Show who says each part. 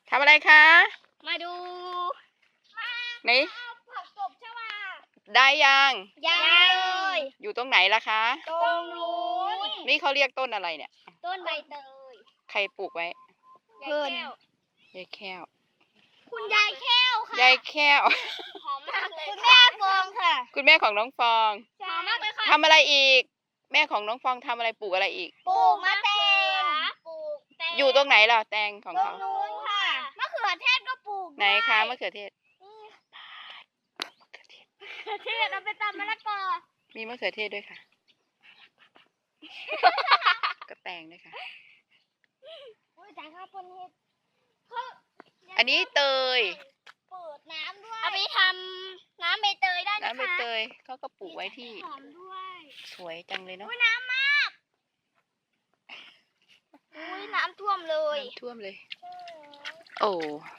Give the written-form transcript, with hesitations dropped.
Speaker 1: ทำอะไรคะ
Speaker 2: มาดู
Speaker 1: ไหน
Speaker 2: ผักกบใช่ไหม
Speaker 1: ได้ยัง
Speaker 2: ยังเลย
Speaker 1: อยู่ตรงไหนล่ะคะ
Speaker 2: ตรงนู้น
Speaker 1: นี่เขาเรียกต้นอะไรเนี่ย
Speaker 2: ต้นใบเตย
Speaker 1: ใครปลูกไว้
Speaker 2: เพื่อน
Speaker 1: ยายแก้ว
Speaker 2: คุณยายแก้วค่ะ
Speaker 1: ยายแก้ว
Speaker 2: หอมมากเลยคุณแม่ฟองค่ะ
Speaker 1: คุณแม่ของน้องฟอง
Speaker 2: หอมมากเลยค่ะ
Speaker 1: ทำอะไรอีก แม่ของน้องฟองทำอะไรปลูกอะไรอีก
Speaker 2: ปลูกมะแตงปลูกแตง
Speaker 1: อยู่ตรงไหนล่ะแตงของ
Speaker 2: ตร
Speaker 1: เขา
Speaker 2: งนู้นค่ะมะเขือเทศก็ปลูก
Speaker 1: ไหนคะมะเขือเทศ
Speaker 2: มะเขือเทศเอาไปตำมะละกอ
Speaker 1: มีมะเขือเทศด้วยค่ะ ก็แตงด้วยค่ะ
Speaker 2: อุ้ยแต่ข้าวปนเห็ด
Speaker 1: อันนี้เตย
Speaker 2: เปิดน้ำด้วยเอาไปทำน้ำใบเตยได้นะคะ
Speaker 1: น้ำใบเตยเขาก็ปลูกไว้ที่
Speaker 2: หอมด้วย
Speaker 1: สวยจังเลยเนาะ
Speaker 2: อุ้ยน้ำมากอุ้ยน้ำท่วมเลย
Speaker 1: น้ำท่วมเลย โอ้